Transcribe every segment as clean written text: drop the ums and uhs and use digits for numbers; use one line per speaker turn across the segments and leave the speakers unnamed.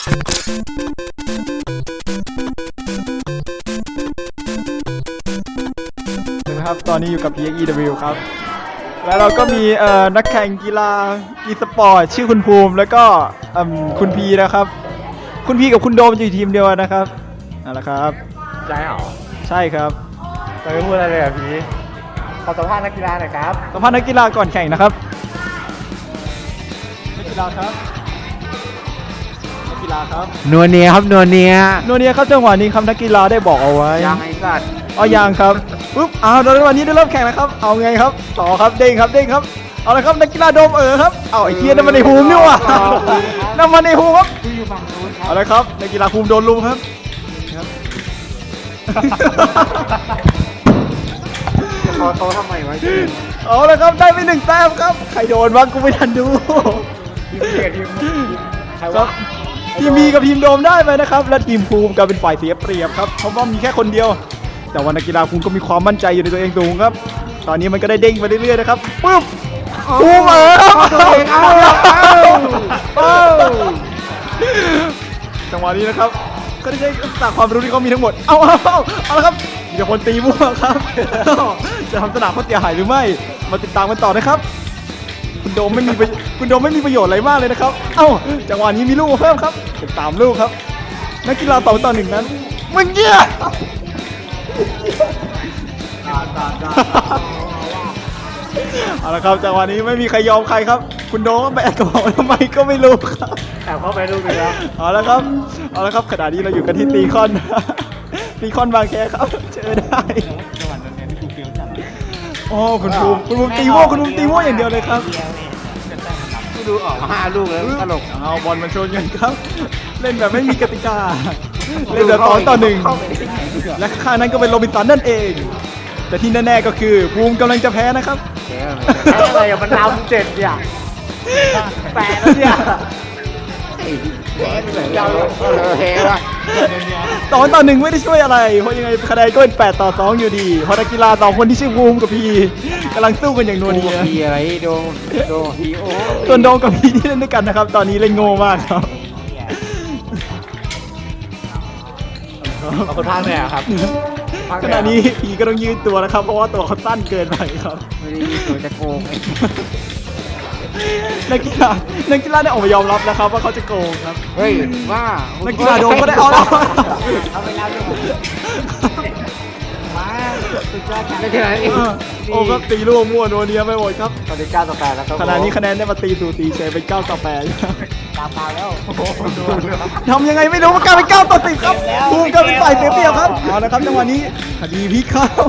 นะครับตอนนี้อยู่กับ PXEW ครับแล้วเราก็มีนักแข่งกีฬา e-sport ชื่อคุณภูมิแล้วก็คุณพีนะครับคุณพีกับคุณโดมอยู่ทีมเดียวนะครับนั่นแหละครับ
ใช่หรอ
ใช่ครับ
ไม่พูดอะไรเลยอ่ะพี่ขอสัมภาษณ์นักกีฬาหน่อยครับ
สัมภาษณ์นักกีฬาก่อนแข่งนะครับนักกีฬาครับนักกีฬาครับ
นัวเนียครับนัวเนีย
ครับจังหวะนี้ครับนักกีฬาได้บอกเอาไว้
ยังไอ้สัตว์
ยังครับปุ๊บเดี๋ยววันนี้ได้เริ่มแข่งแล้วครับเอาไงครับต่อครับเด้งครับเอาละครับนักกีฬาโดมครับไอ้เคียนั่นมันในภูมินี่ว่ะนั่นมันในภูมิครับ
อยู่ฝั่งนู้นครับ
เอาละครับนักกีฬาภูมิโดนลุมครับ
จะพอโตทำไมวะ
เอาละครับได้ไป1 แต้มครับใครโดนบ้างกูไม่ทันดูครับทีมมีกับทีมโดมได้ไปนะครับและทีมภูมิก็เป็นฝ่ายเสียเปรียบครับเพราะว่ามีแค่คนเดียวแต่ว่านักกีฬาภูมิก็มีความมั่นใจอยู่ในตัวเองสูงครับตอนนี้มันก็ได้เด้งไปเรื่อยๆนะครับปึ๊บภูมิจังหวะนี้นะครับก็ได้ใช้ศาสตร์ความรู้ที่เขามีทั้งหมดเอาละครับมีแต่คนตีมั่วครับจะทำสนามเขาเสียหายหรือไม่มาติดตามกันต่อนะครับคุณโดมไม่มีประโยชน์อะไรมากเลยนะครับจังหวะนี้มีลูกมาเพิ่มครับเป็น3 ลูกครับนักกีฬา2 ต่อ 1นั้นมึงเงี้ยเอาละครับจังหวะนี้ไม่มีใครยอมใครครับคุณโดมก็แบกกระเป๋าทำไมก็ไม่รู้ครับ
แต่เข้าไปลูกเลยนะ
เอาละครับขณะนี้เราอยู่กันที่ตีคอนบางแคครับเจอได้
จังหวะนั้นเนี่ยที่กูเฟี้ยวจัง
คุณภูมิตีมั่วอย่างเดียวเลยครับ
กูดูออก5 ลูกแล้วตลก
เอาบอลมาชนกันครับเล่นแบบไม่มีกติกาเล่นแบบ2 ต่อ 1และข้างนั้นก็เป็นโรบินสันนั่นเองแต่ที่แน่ๆก็คือภูมิกำลังจะแพ้นะครับ
อะไรอย่ามันนำ7อย่าง8แล้วเนี่ย
2 ต่อ 1ไม่ได้ช่วยอะไรเพราะยังไงคะแนนก็เป็น8 ต่อ 2อยู่ดีเพราะนักกีฬา2 คนที่ชื่อภูมิกับพีกำลังสู้กันอย่างนัวเนีย
พีอะไรโดพีโอ
ส่วนโดมกับพีที่เล่นด้วยกันนะครับตอนนี้เล่นโง่มากครับ
คนพากเนี่ยครับ
ขณะนี้พีก็ต้องยืดตัวนะครับเพราะว่าตัวเขาสั้นเกินไปครับ
ไม่ได้ยืดตัวจะโกง
นักกีฬาได้ออกมายอมรับแล้วครับว่าเขาจะโกงครับ
เฮ้ยว่า
นักกีฬาโดนก็ได้เอาแล้ว
มาสุดยอดในขณะนี้
ก็ตีลูกมั่วนัวเนียไปหมดครับ
ตอนนี้9 ต่อ 8แล้วครับ
ขณะนี้คะแนนได้มาตีสูสีเฉยเป็น9 ต่อ 8
ตามมาแล้ว
ทำยังไงไม่รู้มันกลายเป็น9 ต่อ 10ครับภูมิก็เป็นฝ่ายเสียเปรียบครับเอาละครับจังหวะนี้คดีพลิกครับ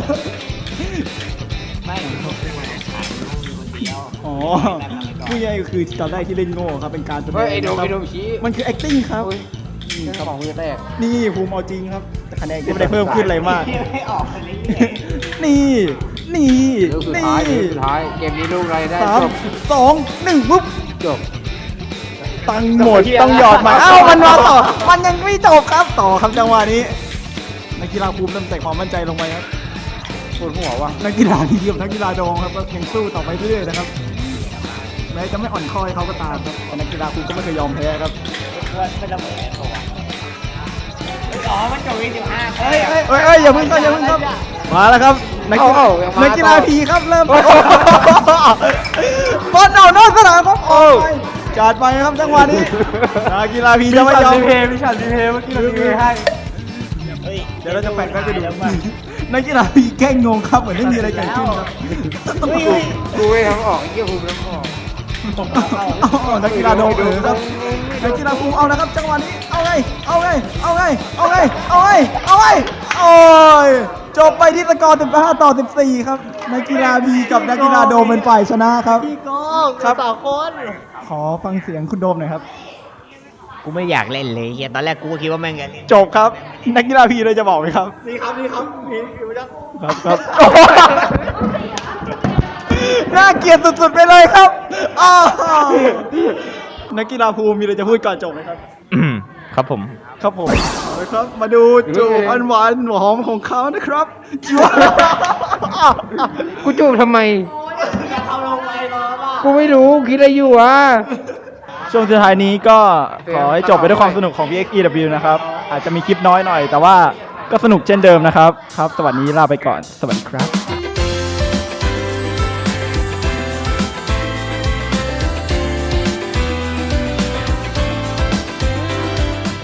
ผู้ใหญ่คือตอนแรกที่เล่นโง่ครับเป็นการแสดงมันคือ acting ครับ
ของมือแตก
นี่ภูมิเอาจริงครับแต่คะแนนก็ไม่ได้เพิ่มขึ้นอะไรมากนี่
สุดท้ายเกมนี้ลูกอะไรได้
จบ2 1ปุ๊บ
จบ
ตังหมดต้องหยอดมามันมาต่อมันยังไม่จบครับต่อครับจังหวะนี้นักกีฬาภูมิเริ่มใส่ความมั่นใจลงไปครับ
ปวดหัวว่ะ
นักกีฬาที่เดียวนักกีฬาโดงครับก็ยังสู้ต่อไปเรื่อยๆนะครับแม้จะไม่อ่อนคอยเขาก็ตามครับแต่นักกีฬาภูมิก็ไม่เคยยอมแพ้ครับ
ไม่ต้องแพ้ตัวมันจบ25
อย่าเพิ่งครับมาแล้วครับนักกีฬาพีครับเริ่มบอลนอกสนามครับจัดไปครับจังหวะนี้นักกีฬาพีจะไม่ยอม
พิชันดีเพย์เมื่อกี้เราดีเพย์ให้
เดี๋ยวเราจะแปะไปดูนักกีฬาพีแกล้งงงครับเหมือนไม่มีอะไรเกิดขึ้นครับ
กูไม่ทำออกเยี่ยภูมิทำออก
นักกีฬาโดนครับนักกีฬาภูมิเอานะครับจังหวะนี้เอาไงโอ้ยจบไปที่สกอร์15 ต่อ 14ครับนักกีฬาบีกับนักกีฬาโดมเป็นฝ่ายชนะครับ
พี่ก้องครับ2 คน
ขอฟังเสียงคุณโดมหน่อยครับ
กูไม่อยากเล่นเลยเฮียตอนแรกกูก็คิดว่าแม่งจะเล่น
จบครับนักกีฬาพีเลยจะบอกไหมครับ
นี่ครับพี่อยู่จัง
ครับน่าเกลียดสุดๆไปเลยครับนักกีฬาภูมิมีอะไรจะพูดก่อนจบไหมครับ
ครับผม
นะครับมาดูจูบอันหวานหอมของเขานะครับจูบ
กูจูบทำไมกูไม่รู้คิดอะไรอยู่
ช่วงสุดท้ายนี้ก็ขอให้จบไปด้วยความสนุกของ PXEW นะครับ อาจจะมีคลิปน้อยหน่อย แต่ว่าก็สนุกเช่นเดิมนะครับ ครับ สวัสดีลาไปก่อน สวัสดีครับ